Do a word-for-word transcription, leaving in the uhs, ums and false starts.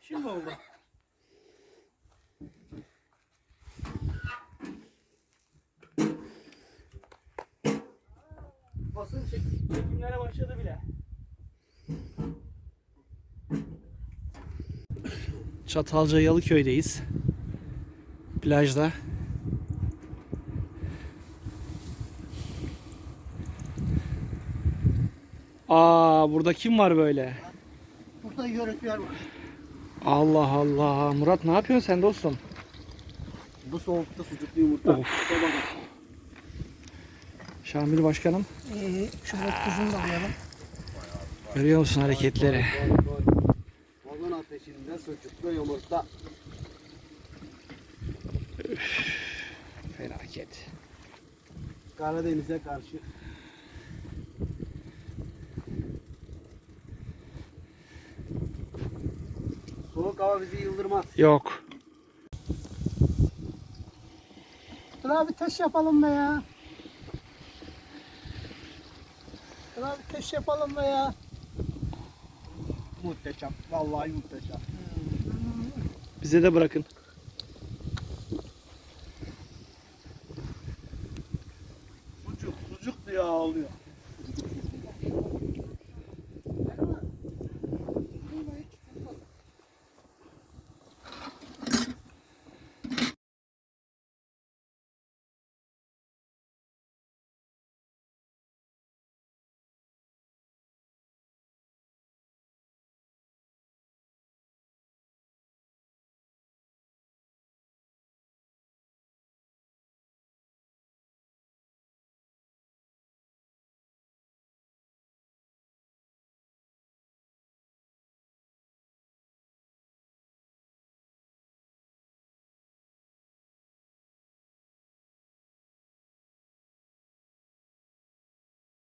Şimdi oldu. Basın çek- çekimlere başladı bile. Çatalca Yalıköy'deyiz. Plajda. Aa, burada kim var böyle? Burada yörükler var. Allah Allah. Murat ne yapıyorsun sen dostum? Bu soğukta sucuklu yumurta. Of. Şamil Başkanım. Ee, şöyle tuzunu da koyalım. Görüyor musun hareketleri? Balon ateşinde sucuklu yumurta. Felaket. Karadeniz'e karşı. Soğuk hava bizi yıldırmaz. Yok. Dur abi taş yapalım be ya. Dur abi taş yapalım be ya. Muhteşem. Vallahi muhteşem. Bize de bırakın. Sucuk, sucuk diye ağlıyor.